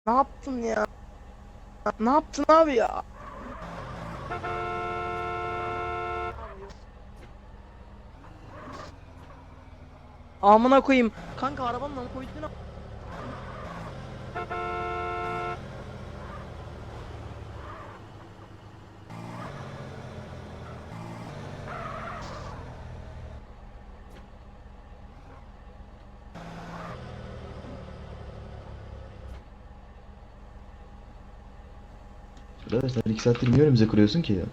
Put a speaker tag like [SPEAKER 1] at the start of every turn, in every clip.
[SPEAKER 1] Ne yaptın ya? Ne yaptın abi ya? Amına koyayım. Kanka arabanın lan koydun.
[SPEAKER 2] Arkadaşlar 2 saattir niye önümüze kuruyorsun ki ya?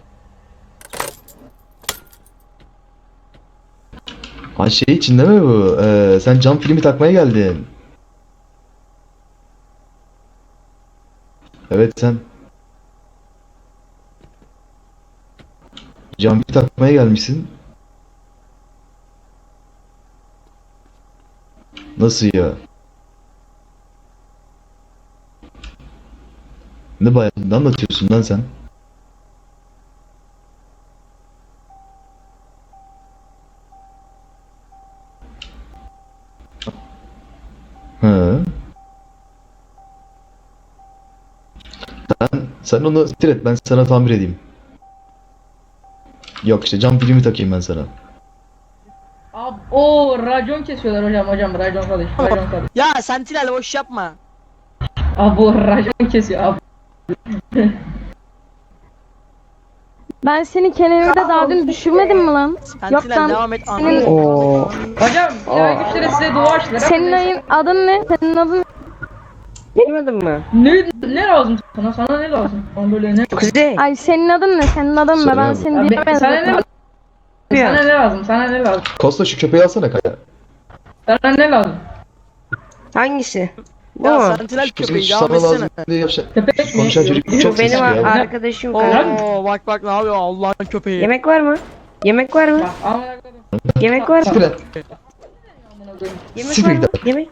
[SPEAKER 2] Ha şey içinde mi bu? Sen cam filmi takmaya geldin. Evet sen cam filmi takmaya gelmişsin. Nasıl ya? Ne bayağı ne anlatıyorsun lan sen? Hı. Sen onu siktir et ben sana tamir edeyim. Yok işte cam filmi takayım ben sana.
[SPEAKER 3] Abi o racon kesiyorlar hocam racon kardeş racon kardeş.
[SPEAKER 1] Ya Sentinel boş yapma.
[SPEAKER 3] Abi o racon kesiyor abi.
[SPEAKER 4] Ben seni kenarda daha dün düşürmedim mi lan? Yok
[SPEAKER 1] Sentinel
[SPEAKER 4] lan.
[SPEAKER 1] devam et.
[SPEAKER 4] Senin,
[SPEAKER 3] Hocam ilahi güçleri size dua açtılar.
[SPEAKER 4] senin ayın adın ne? Senin adın
[SPEAKER 5] Bilmedin mi?
[SPEAKER 3] Ne lazım sana? Sana ne lazım? Bana böyle ne?
[SPEAKER 5] Kuzey.
[SPEAKER 4] Ay senin adın ne? Senin adın ne? Ben
[SPEAKER 2] Söyle
[SPEAKER 4] seni
[SPEAKER 3] Abi,
[SPEAKER 4] diyemedim.
[SPEAKER 3] sana ne lazım? Sana ne lazım? Sana ne lazım?
[SPEAKER 2] Kosta şu köpeği alsana kaya.
[SPEAKER 3] Sana ne lazım?
[SPEAKER 5] Hangisi? Bu
[SPEAKER 1] Ya
[SPEAKER 5] mu?
[SPEAKER 1] Sentinel
[SPEAKER 2] Bizim
[SPEAKER 1] köpeği devam
[SPEAKER 2] sana lazım
[SPEAKER 1] etsene.
[SPEAKER 2] diye yapacak.
[SPEAKER 3] Köpek mi?
[SPEAKER 2] Konuşan çocuk
[SPEAKER 5] Bu
[SPEAKER 2] çok
[SPEAKER 5] benim
[SPEAKER 2] sesli ya.
[SPEAKER 5] arkadaşım kanka.
[SPEAKER 1] Oo bak bak ne yapıyor Allah'ın köpeği.
[SPEAKER 5] Yemek var mı? Yemek var mı?
[SPEAKER 3] Bak, amına koydum.
[SPEAKER 5] Yemek var mı?
[SPEAKER 2] Siktir et.
[SPEAKER 3] Amına koydum.
[SPEAKER 5] Yemek
[SPEAKER 2] Siktir
[SPEAKER 5] var mı?
[SPEAKER 2] git.
[SPEAKER 5] Yemek.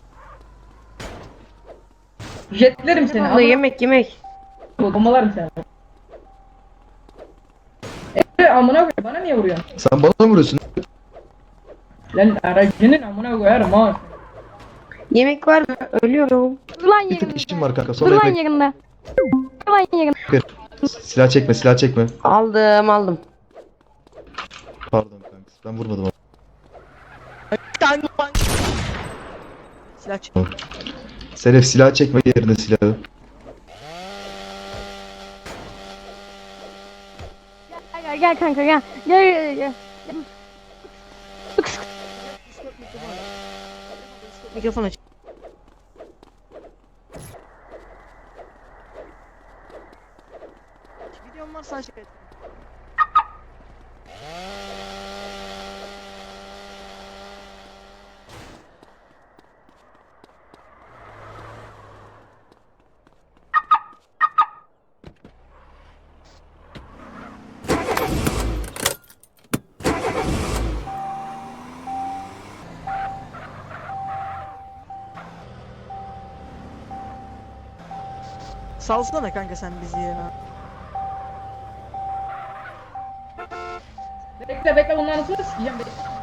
[SPEAKER 3] Jetlerim seni.
[SPEAKER 5] Abla yemek.
[SPEAKER 3] Bombalarım seni. Amına koyayım. Bana niye vuruyorsun?
[SPEAKER 2] Sen bana mı vuruyorsun?
[SPEAKER 3] Lan aracının amına koyarım ha.
[SPEAKER 5] Yemek var mı? Ölüyorum.
[SPEAKER 4] Dur lan
[SPEAKER 2] Bir tık
[SPEAKER 4] yerinde.
[SPEAKER 2] işim var kanka.
[SPEAKER 4] Dur
[SPEAKER 2] Sonra
[SPEAKER 4] lan
[SPEAKER 2] yemek.
[SPEAKER 4] yerinde. Dur lan yerinde.
[SPEAKER 2] Silah çekme, silah çekme.
[SPEAKER 5] Aldım.
[SPEAKER 2] Pardon kanka. Ben vurmadım ama.
[SPEAKER 1] Tank. Silah çık.
[SPEAKER 2] Seref silah çekme yerine silahı.
[SPEAKER 4] Gel kanka gel. Gel.
[SPEAKER 1] Mikrofon aç. Videom varsa aç. Salsana kanka sen bizi ya.
[SPEAKER 3] Bekle bunların nasıl sikeceğim?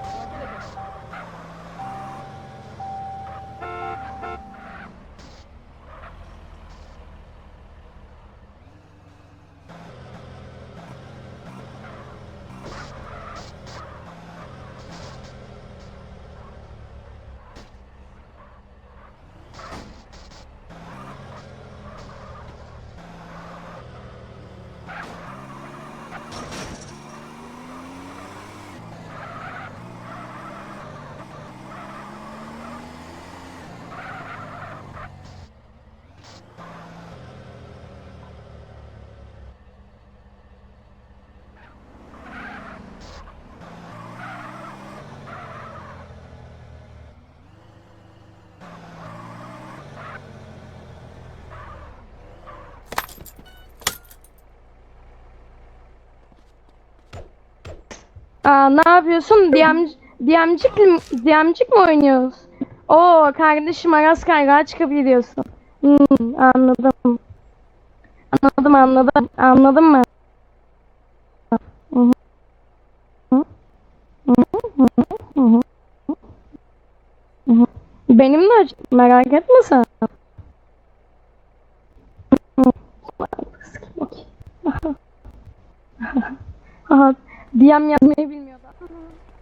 [SPEAKER 4] Ne yapıyorsun? DM'cik mi oynuyoruz? Oo kardeşim Aras Kayrağa çıkabiliyorsun. Anladım. Anladım mı? Hı hı. Hı hı. Hı hı. Hı. Hı hı. Benim de merak etme sen. DM yazmayı bilmiyordu.